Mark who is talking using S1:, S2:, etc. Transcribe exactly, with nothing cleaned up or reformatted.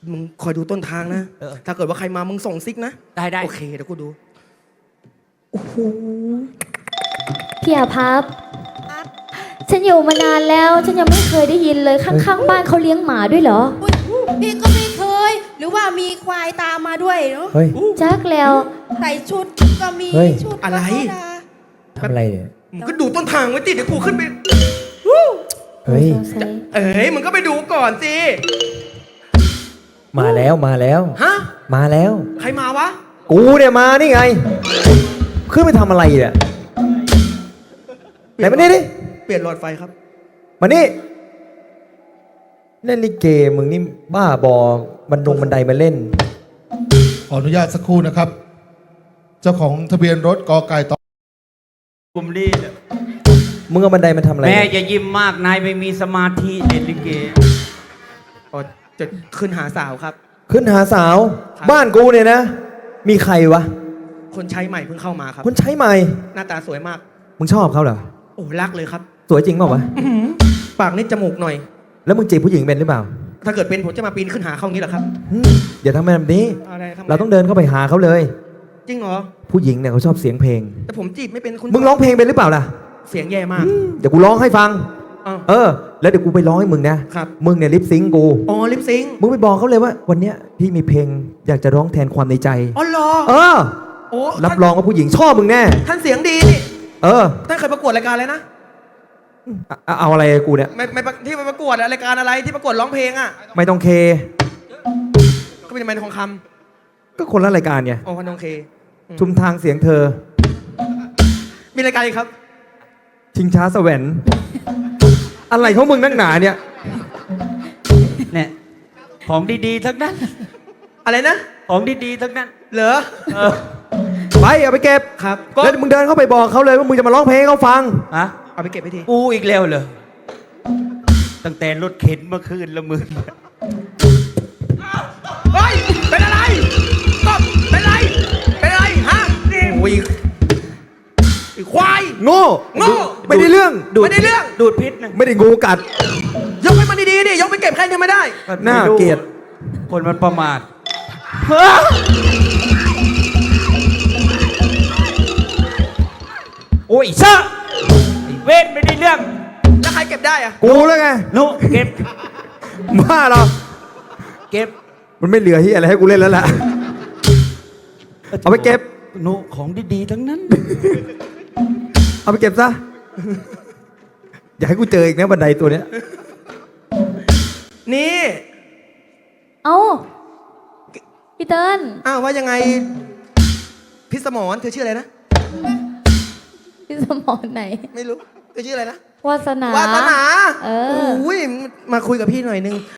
S1: มึงคอยดูต้นทางนะ
S2: เออ
S1: ถ้าเกิดว่าใครมามึงส่งซิกนะ
S2: ได้ได้
S1: โอเคเดี๋ยวกูดู
S3: โอ้โหพี่อาภัพฉันอยู่มานานแล้ว ฉันยังไม่เคยได้ยินเลยข้างๆบ้านเขาเลี้ยงหมาด้วยเหรอ
S4: อุ๊ยพี่ก็ไม่เคย หรือว่ามีควายตามมาด้วยเนาะ
S5: เฮ้ย
S3: จักแล้ว
S4: ใส่ชุดก็มี
S5: เฮ้ย
S4: ชุดก็
S1: อะไร
S4: ธดา
S5: ทำอะไรเนี่ย
S1: มึงก็ดูต้นทางไว้ติเดี๋ยวกูขึ้นไป
S5: เฮ้ย
S3: สงสัย
S1: เอ้ยมึงก็ไปดูก่อนสิ
S5: มาแล้วมาแล้ว
S1: ฮะ
S5: มาแล้ว
S1: ใครมาวะ
S5: กูเนี่ยมานี่ไง ขึ้นไปทำอะไรเนี่ยไหนมานี่ดิ
S1: เปลี่ยนหลอดไฟครับ
S5: มานี่เล่นลิเกมึงนี่บ้าบอบันดงบันไดมาเล่น
S6: ขออนุญาตสักครู่นะครับ เจ้าของทะเบียนรถกอไก่ต่อ
S2: กลุ่มนี้เนี่ย
S5: มึงเอาบันไดมาทำอะไร
S2: แม่อย่ายิ้มมากนายไม่มีสมาธิเล่นลิเก
S1: อ๋อจะขึ้นหาสาวครับ
S5: ขึ้นหาสาว
S1: ครับ
S5: บ้านกูเนี่ยนะ มีใครวะ
S1: คนใช้ใหม่เพิ่งเข้ามาครับ
S5: คนใช้ใหม่
S1: หน้าตาสวยมาก
S5: มึงชอบเขาเหรอ
S1: โอ้รักเลยครับ
S5: สวยจริงเปล่าวะ
S1: ปากนิดจมูกหน่อย
S5: แล้วมึงจีบผู้หญิงเป็นหรือเปล่า
S1: ถ้าเกิดเป็นผมจะมาปีนขึ้นหาเขางี้เหรอครับ
S5: อืมอย่าทำแบบนี้
S1: อะไรทำไม
S5: เราต้องเดินเข้าไปหาเขาเลย
S1: จริงเหรอ
S5: ผู้หญิงเนี่ยเขาชอบเสียงเพลง
S1: แต่ผมจีบไม่เป็นคุณ
S5: มึงร้องเพลงเป็นหรือเปล่าล่ะ
S1: เสียงแย่มาก
S5: เดี๋ยวกูร้องให้ฟัง
S1: อ้าว
S5: เออ แล้วเดี๋ยวกูไปร้องให้มึงนะ
S1: ครับ
S5: มึงเนี่ยลิปซิงค์กู
S1: อ๋อลิปซิงค์
S5: มึงไปบอกเขาเลยว่า วันเนี้ยพี่มีเพลงอยากจะร้องแทนความในใจ
S1: อ๋อเหรอ
S5: เออ
S1: โอ้
S5: รับ
S1: ท่าน
S5: รองว่าผู้หญิงชอบมึงแน่
S1: ท่านเสียงดีนี่
S5: เออ
S1: ท่านเคยประกวดรายการอะไรนะ
S5: เอาเอาอะไรกูเนี่ย
S1: ไม่ไม่ที่ไปประกวดอะรายการอะไรที่ประกวดร้องเพลงอะ
S5: ไม่ต้องเค
S1: ก็เป็นไมค์ทองค
S5: ก็คนละรายการไง
S1: ำอ๋อพันทองเค
S5: ชุมทางเสียงเธอ
S1: มีรายการอีกครับ
S5: ชิงช้าแสวรรค์อะไรของมึงนักหนาเนี่ย
S2: เนี่ยของดีๆทั้งนั้น
S1: อะไรนะ
S2: ของดีๆทั้งนั้น
S1: เหรอ
S2: เออ
S5: ไปเอาไปเก็บ
S1: ครับก็
S5: แล้วมึงเดินเข้าไปบอกเขาเลยว่ามึงจะมาร้องเพลงให้เขาฟัง
S2: ฮะ
S1: เอาไปเก็บไปที
S2: กูอีกแล้วเหรอตั้งแต่รถเข็นเมื่อคืนละมึง
S1: เฮ้ยเป็นอะไรตบเป็นอะไรเป็นอะไรฮะนี่โอ้ยไอ้ควาย
S5: โง่
S1: โง่
S5: ไม่ได้เรื่อง
S1: ไม่ได้เรื่อง
S2: ดูดพิษนะ
S5: ไม่ได้งูกัด
S1: ยกให้มันดีๆดิยกไปเก็บใครทำไม่ได้
S5: น่าเกลียด
S2: คนมันประมาทโอ้ยซะไอ้เวทไม่ได้เรื่อง
S1: แล้วใครเก็บได้อะ
S5: กูแล้วไง
S2: นุเก็บ
S5: บ้าเหรอ
S2: เก็บ
S5: มันไม่เหลือที่อะไรให้กูเล่นแล้วล่ะ เอาไปเก็บ
S2: นุของดีๆทั้งนั้น
S5: เอาไปเก็บซะ อย่าให้กูเจออีกนะบันไดตัวเนี้ย
S1: นี่
S3: เอ้าพี่เติ้ล
S1: อ้าวว่ายังไงพิสมรเธอชื่ออะไรนะ
S3: พี่สมรไหน
S1: ไม่รู้เธอชื่ออะไรนะ
S3: วาสนาว
S1: าสนา
S3: เออ
S1: โอ้ยมาคุยกับพี่หน่อยนึง